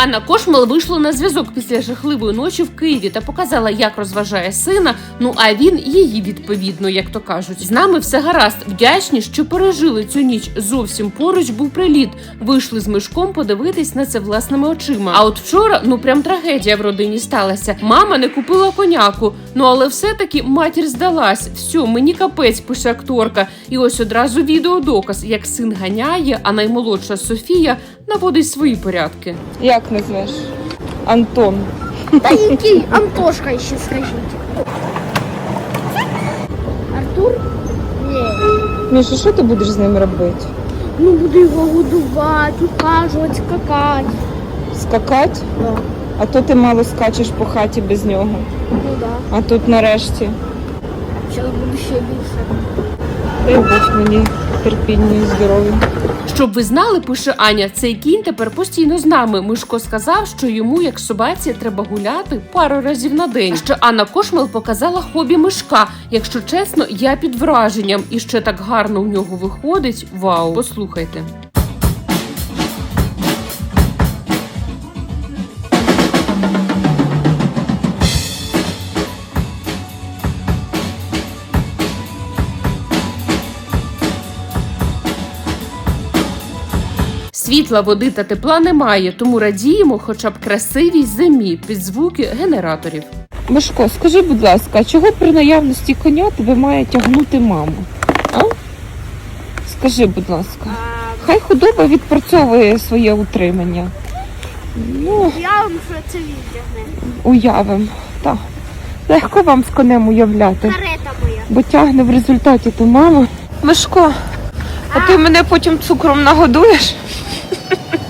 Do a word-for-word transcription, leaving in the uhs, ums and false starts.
Анна Кошмал вийшла на зв'язок після жахливої ночі в Києві та показала, як розважає сина, ну а він її відповідно, як то кажуть. З нами все гаразд, вдячні, що пережили цю ніч. Зовсім поруч був приліт. Вийшли з Мишком подивитись на це власними очима. А от вчора, ну прям трагедія в родині сталася. Мама не купила коняку, ну але все-таки матір здалась. Все, мені капець, пише акторка. І ось одразу відеодоказ, як син ганяє, а наймолодша Софія наводить свої порядки. Як назвеш? Антон. Та який Антошка ще скажіть. Артур? Ні. Міша, що ти будеш з ним робити? Ну буду його годувати, ухажувати, скакати. Скакати? Да. А то ти мало скачеш по хаті без нього. Ну да. А тут нарешті. Зараз буду ще більше. Дай Бог мені терпіння і здоров'я. Щоб ви знали, пише Аня, цей кінь тепер постійно з нами. Мишко сказав, що йому, як собаці, треба гуляти пару разів на день. Ще Анна Кошмал показала хобі Мишка. Якщо чесно, я під враженням. І ще так гарно у нього виходить. Вау, послухайте. Світла, води та тепла немає, тому радіємо хоча б красивій зимі під звуки генераторів. Мишко, скажи, будь ласка, а чого при наявності коня тебе має тягнути мама? А? Скажи, будь ласка. Хай худоба відпрацьовує своє утримання. Ну, Я вам що це відтягне. уявим. Так. Легко вам з конем уявляти. Карета моя. Бо тягне в результаті то мама. Мишко, а ти мене потім цукром нагодуєш?